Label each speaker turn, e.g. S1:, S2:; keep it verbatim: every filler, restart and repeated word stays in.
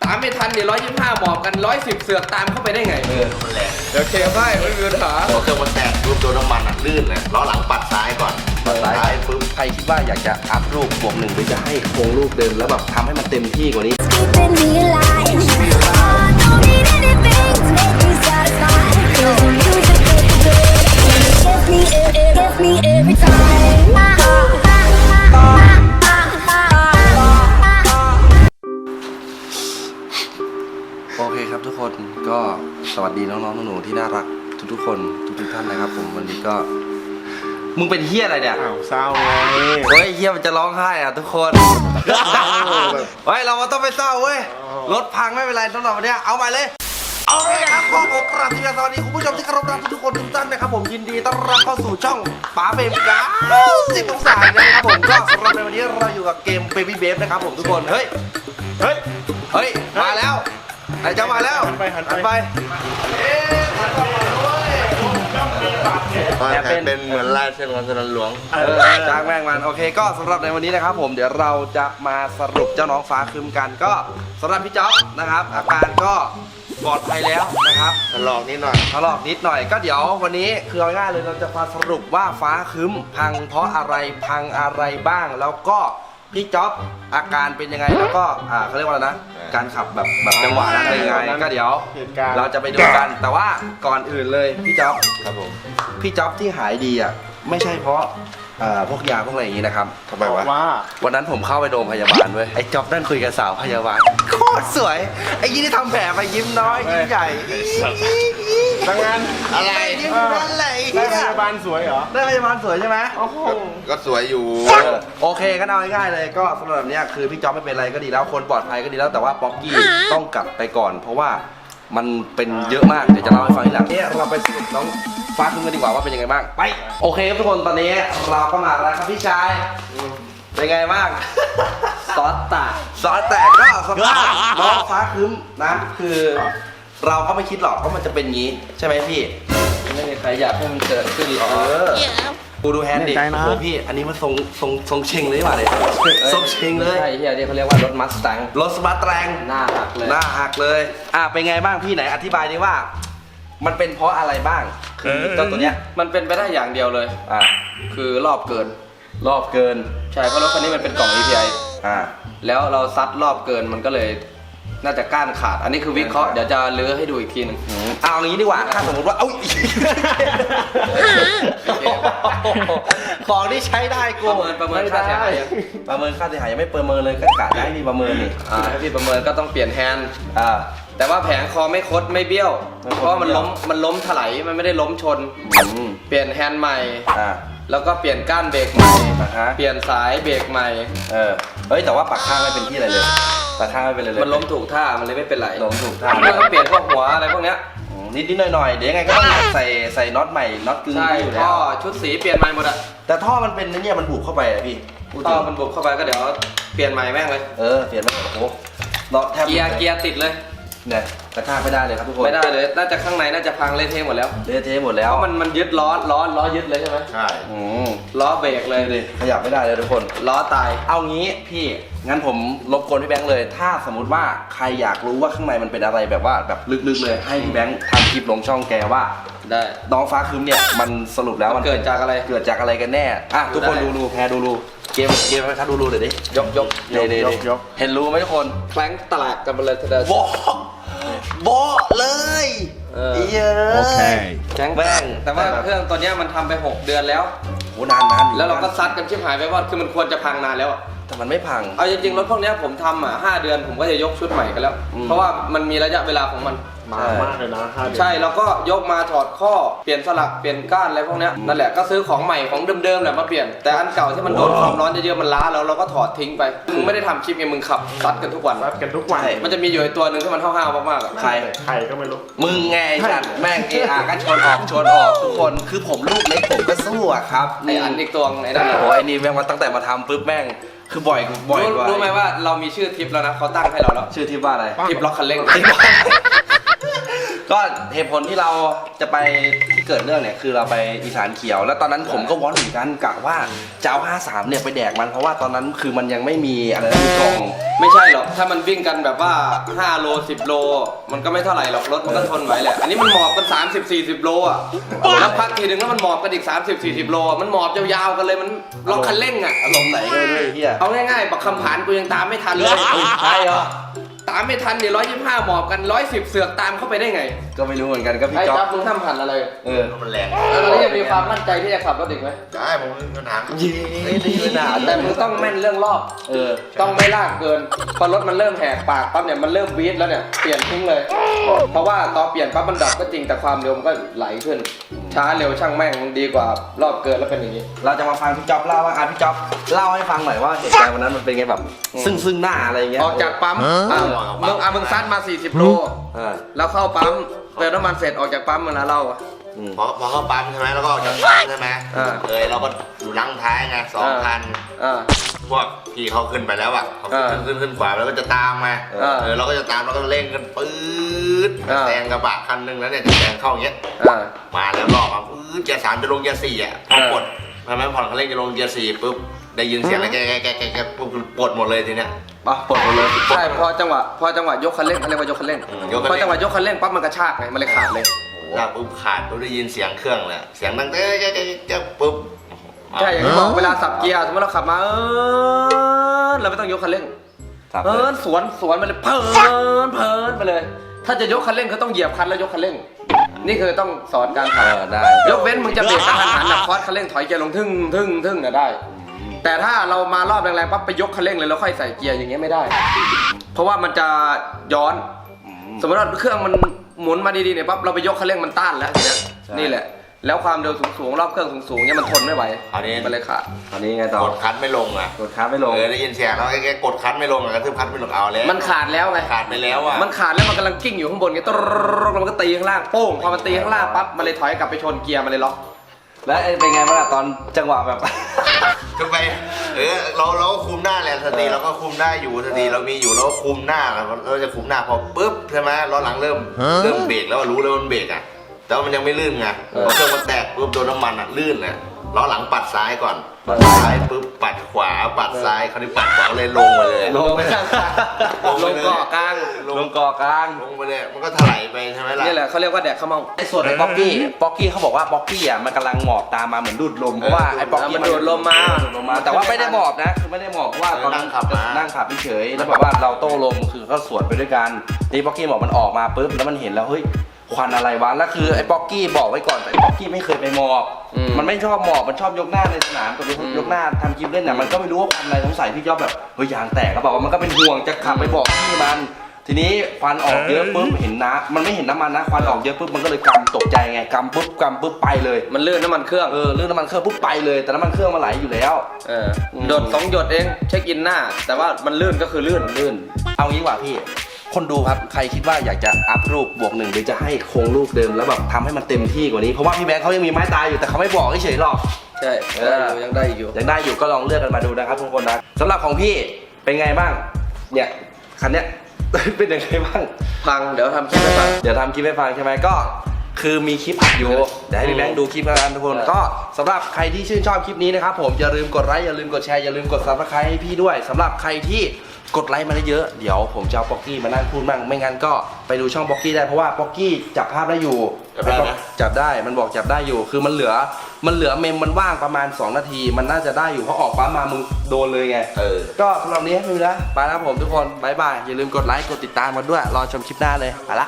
S1: ตามไม่ทันเดี๋ยวร้อยยี่สิบห้าหมอบกันร้อยสิบเสือกตามเข้าไปได้ไงเออมันแรงเดี๋ยวเคลียร์ให้ไม่มีปัญหา
S2: หัวเครื่องมันแตกรูปโดนน้ำมันอ่ะลื่นเลยล้อหลังปัดซ้ายก่อนปัดซ้ายปึ๊บ
S3: ใครคิดว่าอยากจะอัพรูปบวกหนึ่งไปจะให้โครงรูปเดิมแล้วแบบทำให้มันเต็มที่กว่านี้โอเคครับทุกคนก็สวัสดีน้องๆหนูๆที่น่ารักทุกๆคนทุกๆท่านนะครับผมวันนี้ก็มึงเป็นเฮี้ยอะไรเนี่ย
S4: อ้าวเศร้าไง
S3: เฮ้ยเฮี้ยมันจะร้องไห้อ่ะทุกคนเฮ้ยเราต้องไปเศร้าเว้ยรถพังไม่เป็นไรสำหรับวันนี้เอาไปเลยโอเคครับขอขอกราบสวัสดีคุณผู้ชมที่เคารพรักทุกคนทุกท่านนะครับผมยินดีต้อนรับเข้าสู่ช่องป๋าเบบี้กาสิบองศานะครับผมก็สำหรับในวันนี้เราอยู่กับเกม Baby Babe นะครับผมทุกคนเฮ้ยเฮ้ยเฮ้ยมาแล้วไอ้เจ้ามาแล้ว
S4: หันไปหันไป
S3: ไปเอ๊ะหันไปด้วย
S2: แต่เป็นเหมือนลายเส้นของสนามหลวง
S3: เออจ้างแม่งมันโอเคก็สำหรับในวันนี้นะครับผมเดี๋ยวเราจะมาสรุปเจ้าน้องฟ้าคืมกันก็สำหรับพี่จ๊อบนะครับอาการก็ปลอดภัยแล้วนะครับ
S2: ถลอกนิดหน่อย
S3: ถลอกนิดหน่อยก็เดี๋ยววันนี้คือเอาง่ายเลยเราจะมาสรุปว่าฟ้าคืมพังเพราะอะไรพังอะไรบ้างแล้วก็พี่จ๊อบอาการเป็นยังไงแล้วก็อ่าเขาเรียกว่าอะไรนะการขับแบบแบบจังหวะนั้นเป็นยังไงก็เดี๋ยวเราจะไปดูกันแต่ว่าก่อนอื่นเลยพี่จ๊อบ
S2: ครับผม
S3: พี่จ๊อบที่หายดีอ่ะไม่ใช่เพราะพวกยาพวกอะไรอย่างนี้นะครับ
S2: ทำไมวะ
S4: ว่า
S3: วันนั้นผมเข้าไปโรงพยาบาลเว้ยไอ้จ๊อบนั่งคุยกับสาวพยาบาลโคตรสวยไอ้ยี่ที่ทำแผลไปยิ้มน้อยยิ้มใหญ่
S4: ทำงาน
S3: อะไรยิ้มนั่นแหละ
S4: ได้พยาบาลสวยเหรอ
S3: ได้พยาบาลสวยใช่ไหมโอ้โห
S2: ก็สวยอยู่
S3: โอเคก็เอาง่ายๆเลยก็สำหรับเนี้ยคือพี่จ๊อบไม่เป็นไรก็ดีแล้วคนปลอดภัยก็ดีแล้วแต่ว่าป๊อกกี้ต้องกลับไปก่อนเพราะว่ามันเป็นเยอะมากเดี๋ยวจะเล่าให้ฟังทีหลังเนี่ยเราไปสรุปน้องฟ้าคืนกันดีกว่าว่าเป็นยังไงบ้างไปโอเคทุกคนตอนนี้เราก็มาแล้วครับพี่ชายเป็นไงบ้าง
S1: ซอสแตก
S3: ซอสแตกก็สภาพน้องฟ้าคืนนะคือเราก็ไม่คิดหรอกว่ามันจะเป็นงี้ใช่ไหมพี่
S1: ไม่มีใครอยากให้มันเกิดขึ้นหรอก
S3: กูดูแฮนด์ดิโอ้พี่อันนี้มันทรงทรงทรงเชงเลยว่ะเลยทรงเชงเลย
S1: ใช่ที่เขาเรียกว่ารถมัสตัง
S3: รถมัสตัง
S1: หน้าหักเลย
S3: หน้าหักเลยอ่ะเป็นไงบ้างพี่ไหนอธิบายดิว่ามันเป็นเพราะอะไรบ้างคือเจ้าตัวเนี้ย
S1: มันเป็นไปได้อย่างเดียวเลย
S3: อ่ะ
S1: คือรอบเกิน
S3: รอบเกิน
S1: ใช่เพราะรถคันนี้มันเป็นกล่อง อี พี ไอ
S3: อ่า
S1: แล้วเราซัดรอบเกินมันก็เลยน่าจะก้านขาดอันนี้คือวิเคราะห์เดี๋ยวจะเลื้อให้ดูอีกทีนึง
S3: เอาอย่างนี้ดีกว่าถ้าสมมติว่าเอ้าของที่ใช้ได้กู
S1: ประเมินประเมินค่าเสียหาย
S3: ประเมินค่าเสียหายยังไม่ประเมินเลยก็กะได้มีประเมินนี่
S1: อ่าถ้าพี่ประเมินก็ต้องเปลี่ยนแฮนด์
S3: อ่า
S1: แต่ว่าแผงคอไม่คดไม่เบี้ยวเพราะมันล้มมันล้มถลายมันไม่ได้ล้มชนเปลี่ยนแฮนด์ใหม่
S3: อ่า
S1: แล้วก็เปลี่ยนก้านเบรกใหม่เปลี่ยนสายเบรกใหม่
S3: เออเฮ้ยแต่ว่าปากข้างไม่เป็นที่อะไรเลยปากข้างไม่เป็นอะไรเลย
S1: มันล้มถูกท่ามันเลยไม่เป็นไร
S3: ล้มถูกท่า
S1: แล้วก็เปลี่ยนพวกหัวอะไรพวกเนี้ย
S3: นิดนิดหน่อยหน่อยเดี๋ยวยังไงก็ต้องใส่ใส่น็อตใหม่น็อตกึ่ง
S1: อยู่แล้วท่อชุดสีเปลี่ยนใหม่หมดอะ
S3: แต่ท่อมันเป็นเนี่ยมันบุบเข้าไปอะพี่
S1: ท่อมันบุบเข้าไปก็เดี๋ยวเปลี่ยนใหม่แม่งเลย
S3: เออเปลี่ยนใหม่โอ้โหน็อตแทบ
S1: เกียร์เกียร์ติดเลย
S3: เนี่ยกระชากไม่ได้เลยครับทุกคน
S1: ไม่ได้เลยน่าจะข้างในน่าจะพังเละเทะหมดแล้ว
S3: เละเทะหมดแล้ว
S1: เพราะมันมันยึดล้อล้อล้อยึดเลยใช่ไหม
S2: ใช่
S1: ล้อเบรกเลย
S3: ดิขยับไม่ได้เลยทุกคน
S1: ล้อตาย
S3: เอางี้พี่งั้นผมรบกวนพี่แบงค์เลยถ้าสมมติว่าใครอยากรู้ว่าข้างในมันเป็นอะไรแบบว่าแบบลึกๆเลยให้พี่แบงค์ทำคลิปลงช่องแกว่า
S1: ได้
S3: น้องฟ้าคืมเนี่ยมันสรุปแล้ว
S1: มันเกิดจากอะไร
S3: เกิดจากอะไรกันแน่อ่ะทุกคนดูรูแพรดูรูเกมเกมไปครับดูรูเดี๋ยวดิ
S1: ยกยก
S3: ยกยกยกเห็นรูไหมทุกคน
S1: แคล้งตลาดกันไปเลยทีเดียว
S3: โบโบเลยเยอะ
S4: โอเค
S1: แข็งแรงแต่ว่าเครื่องตัวนี้มันทำไปหกเดือนแล้ว
S3: โหนานนาน
S1: แล้วเราก็ซัดกันชิบหายไปว่าคือมันควรจะพังนานแล้ว
S3: แต่มันไม่พัง
S1: เอาจริงๆรถพวกนี้ผมทำอ่ะห้าเดือนผมก็จะยกชุดใหม่กันแล้วเพราะว่ามันมีระยะเวลาของมัน
S4: มามากเลยนะ
S1: ใช่เราก็ยกมาถอดข้อเปลี่ยนสลักเปลี่ยนก้านอะไรพวกนี้นั่นแหละก็ซื้อของใหม่ของเดิมๆแหละมาเปลี่ยนแต่อันเก่าที่มันโดนความร้อนเยอะๆมันล้าแล้วเราก็ถอดทิ้งไปมึงไม่ได้ทำคลิปไงมึงขับซัดกันทุกวัน
S4: ซัดกันทุกวัน
S1: มันจะมีอยู่ตัวหนึ่งที่มันห้าวๆมากๆ
S3: ใคร
S4: ใครก็ไม่รู้
S3: มึงไงจัดแม่งเออาก็ชนออกชนออกทุกคนคือผมลูกเล็กผมก็สู้อะครับ
S1: ไออันอีกตัวไอ้นั่น
S3: โอ้ไอ้นี่แม่งมาตั้งแต่มาทำปุ๊บแม่งคือบ่อยบ่อยกว่า
S1: รู้ไหมว่าเรามีชื่อทิปแล้วนะเขาตั้งให้เราแล้ว
S3: ชื่อทิปว่าอะไร
S1: ทิปล็อกคันเร่ง
S3: ก็เหตุผลที่เราจะไปที่เกิดเรื่องเนี่ยคือเราไปอีสานเขียวแล้วตอนนั้นผมก็วอนเหมือนกันกะว่าจะเอาห้าสามเนี่ยไปแดกมันเพราะว่าตอนนั้นคือมันยังไม่มีอะไรนะมีกล่อง
S1: ไม่ใช่หรอกถ้ามันวิ่งกันแบบว่าห้าโลสิบโลมันก็ไม่เท่าไหร่หรอกรถมันก็ทนไหวแหละอันนี้มันหมอบกันสามสิบสี่สิบโลอ่ะแล้วพักทีนึงแล้วมันหมอบกันอีกสามสิบสี่สิบโลมันหมอบยาวๆกันเลยมันล็อกคันเร่งอ่ะ
S3: อารมณ์ไหนกันเลยเฮีย
S1: เอาง่ายๆบักคำผานกูยังตามไม่ทันเลย
S3: ใช่เหรอ
S1: ตามไม่ทันเนี่ยร้อยยี่สิบห้าหมอบกันร้อยสิบเสือกตามเข้าไปได้ไง
S3: ก็ไม่รู้เหมือนกันก็พี่
S1: ไอ้
S3: จ๊อ
S1: จ๊อ
S3: บบ
S1: มึงทำหันอะไร
S3: เออ
S2: มันแรง
S1: แล้วยังมีความมั่นใจที่จะขับรถอีกไหม
S2: ได้ผมไม่มีปัญหา
S3: เย้ดีเลยนะ
S1: แต่มึงต้องแม่นเรื่องรอบ
S3: เออ
S1: ต้องไม่ลากเกินพอรถมันเริ่มแหกปากปั๊บเนี่ยมันเริ่มวีดแล้วเนี่ยเปลี่ยนทิ้งเลย เพราะว่าตอนเปลี่ยนปั๊บมันดับก็จริงแต่ความเร็วมันก็ไหลขึ้น ช้าเร็วช่างแม่งมันดีกว่ารอบเกินแล้วเป็นอย่างนี้
S3: เราจะมาฟังพี่จ๊อบเล่าว่าอ่ะพี่จ๊อบเล่าให้ฟังหน่อยว่าเหตุการณ์วันนั้นมันเป็นไงแบบ ซึ่งซึ่งหน้าอะไรอย่างเงี้ย
S1: ออกจากปั๊มอ่ะมึงอ่ะมึงซัดมาสี่สิบโล
S3: เออ
S1: แล้วเข้าปั๊มเติมน้ำมันเสร็จออกจากปั๊มมึงนะเล่าอ่ะ
S3: อืม
S2: พอพอเข้าปั๊มใช่ไหมแล้วก็ออกจากปั๊มใช่ไหม
S1: อ่า
S2: เออเราก็อยู่ลังท้ายไงสองคัน
S1: อ่า
S2: พวกพี่เขาขึ้นไปแล้วอ่ะเขา
S1: อ่า
S2: ขึ้นขึ้นขึ้นขวาแล้วก็จะตามมา
S1: อ่า
S2: เออเราก็จะตามแล้วก็เร่งกันปื๊ด
S1: อ่า
S2: แซงกระบะคันหนึงแล้วเนี่ยจะแซงเข้าอย่างเงี้ย
S1: อ่า
S2: มาแล้วรอบอ่ะปื๊ดเกียร์สามจะลงเกียร์สี่อ่ะพอ
S1: อ่า
S2: ปลดทำไมผ่อนคันเร่งจะลงเกียร์สี่ปุ๊บได้ยินเสียงอะไรแกแกแกแกแกปุ๊บปลดหมดเลยทีเนี้ย
S3: ปะปลดหมดเลย
S1: ใช่พอจังหวะพอจังหวะยกคันเร่งเขาเรียกว่ายกคันเร่ง
S2: อืมยกคันเร่ง
S1: พอจังหวะยกคันเร่งปั๊บมันกระชากไงมันเลยขาดเลย
S2: ถ้าปุ๊บขาดปุ๊บได้ยินเสียงเครื่องเลยเสียงดังแกแกแกแกปุ๊บ
S1: ใช่อย่างที่บอกเวลาสับเกียร์สมมติเราขับมาเออเราไม่ต้องยกคันเร่ง
S3: ครับ
S1: เพินสวนสวนไปเลยเพินเพินไปเลย ถ้าจะยกคันเร่งก็ต้องเหยียบคันแล้วยกคันเร่ง นี่คือต้องสอนการ
S3: เอ
S1: ขับ
S3: อได้
S1: ยกเว้นมึงจะเบรกกระทันหันแบบคอร์สคันเร่งถอยเกียร์ลงทึ่งทึ่งทึ่งน่ะได้ แต่ถ้าเรามารอบแรงๆปั๊บไปยกคันเร่งเลยแล้วค่อยใส่เกียร์อย่างเงี้ยไม่ได้ เพราะว่ามันจะย้อน สมมติว่าเครื่องมันหมุนมาดีๆเนี่ยปั๊บเราไปยกคันเร่งมันต้านแล้วทีเนี้ยนี่แหละ แล้วความเร็วสูงๆรอบเครื่องสูงๆเนี่ยมันทนไม่ไหว
S2: อันนี้
S1: มันเลยขาด
S3: ตอนนี้ไงต่อก
S2: ดคันไม่ลงอ่ะ
S3: กดค้าไม่ลง
S2: เออได้ยินเสียงแล้วแกกดคันไม่ลงอ่ะกระทืบคันไม่ลงเอาแล้ว
S1: มันขาดแล้วไง
S2: ขาดไปแล้วอ่ะ
S1: มันขาดแล้วมันกำลังกิ้งอยู่ข้างบนไงตรแล้วมันก็ตีข้างล่างโป้งพอมันตีข้างล่างปั๊บมันเลยถอยกลับไปชนเกียร์มันเลยล็อก
S3: แล้วเป็นไงบ้างล่ะตอนจังหวะแบบ
S2: ก็ไปเออเราเราก็คุมหน้าแหละสติเราก็คุมได้อยู่สติเรามีอยู่เราก็คุมหน้าเราจะคุมหน้าพอปุ๊บใช่ไหมล้อหลังเริ่มเริ่มเบรกแล้วรู้แล้วมันเบรกอ่ะแต่ว่ามันยังไม่ลื่นไงพอเครื่องมันแตกปุ๊บโดนน้ำมันอ่ะลื่นเลยล้อหลังปัดซ้ายก่อน
S3: ปั
S2: ปั
S3: ด
S2: ด
S3: ซ้าย
S2: ซ้ายปุ๊บปัดขวาปัดซ้ายคราวนี้ปัดขวาเลยลงมาเลย
S3: ลงไปข้าง
S2: ลง
S1: ล
S2: ไป
S1: ง
S2: เลย
S1: เกาะกลาง
S3: ลงเกาะกลาง
S2: ลงไปเลยมันก็ถลายไปใช่ไหมล่ะ
S1: นี่แหละเขาเรียกว่าแดกข้าวเมา
S3: ไอ้ส่วนไอ้ป๊อกกี้ป๊อกกี้เขาบอกว่าป๊อกกี้อ่ะมันกำลังหมอบตามมาเหมือนดูดลมเพราะว่าไอ้ป๊อกกี้
S1: มันดูดลมมา
S3: ดูดลมมา แต่ว่าไม่ได้หมอบนะคือไม่ได้หมอบเพราะว่าตอนนั้นนั่งขับเฉยๆแล้วแบบว่าเราโต้ลมคือก็สวนไปด้วยกันนี่ป๊อกกี้บอกมันออกมาปุ๊บแล้วมันเห็นแล้วเฮ้ยควันอะไรวะแล้วคือไอ้ป๊อกกี้บอกไว้ก่อนแต่ไอ้ป๊อกกี้ไม่เคยไปหมอบ
S1: อืม
S3: มันไม่ชอบหมอบมันชอบยกหน้าในสนามกับยกหน้าทำคลิปเล่นน่ะมันก็ไม่รู้ว่าควันอะไรสงสัยพี่ยอดแบบเฮ้ยยางแตกก็บอกว่ามันก็เป็นห่วงจะขับไปบอกพี่มัน ทีนี้ควันออกเยอะปุ๊บเห็นน้ำมันไม่เห็นน้ำมันนะควันออกเยอะปุ๊บมันก็เลยกำตกใจไงกำปุ๊บกำปุ๊บไปเลย
S1: มันลื่นน้ำมันเครื่อง
S3: เออเรื่องน้ำมันเครื่องปุ๊บไปเลย แต่น้ำมันเครื่องมันไหลอยู่แล้ว
S1: เออหยดสองหยดเองเช็คอินหน้า แต่ว่ามันลื่นก็คือลื่น
S3: ลื่น เอางี้ดีกว่าพี่ คนดูครับใครคิดว่าอยากจะอัพรูปบวกหนึ่งหรือจะให้คงรูปเดิมแล้วแบบทำให้มันเต็มที่กว่านี้เพราะว่าพี่แบงค์เขายังมีไม้ตายอยู่แต่เขาไม่บอกเฉยๆหรอก
S1: ใช่
S3: เออ
S1: ยังได้อยู่
S3: ยังได้อยู่ก็ลองเลือกกันมาดูนะครับทุกคนนะสำหรับของพี่เป็นไงบ้างเนี่ยคันเนี้ย เป็นยังไงบ้าง
S1: พังเดี๋ยวทำคลิปให้ฟัง
S3: เดี๋ยวทำคลิปให้ฟังใช่ไหมก็คือมีคลิปอัดอยู่เดี๋ยวให้พี่แบงค์ดูคลิปกันทุกคน
S1: เออ
S3: ก็สำหรับใครที่ชื่นชอบคลิปนี้นะครับผมอย่าลืมกดไลค์อย่าลืมกดแชร์อย่าลืมกดซับสไครต์ให้พี่ด้วยสำหรับใครที่กดไลค์มาได้เยอะเดี๋ยวผมจะเอาป๊อกกี้มานั่งพูดบ้างไม่งั้นก็ไปดูช่องป๊อกกี้ได้เพราะว่าป๊อกกี้จับภาพได้อยู่
S2: จับได้นะ
S3: จับได้มันบอกจับได้อยู่ คือมันเหลือมันเหลือเมมมันว่างประมาณสองนาทีมันน่าจะได้อยู่เพราะออกปั๊มมามึงโดนเลยไง
S2: เออ
S3: ก็สำหรับนี้ไม่มีแล้วไปแล้วผมทุกคนบายบายอย่าลืมกดไลค์กดติดตามมาด้วยรอชมคลิปหน้าเลยไปละ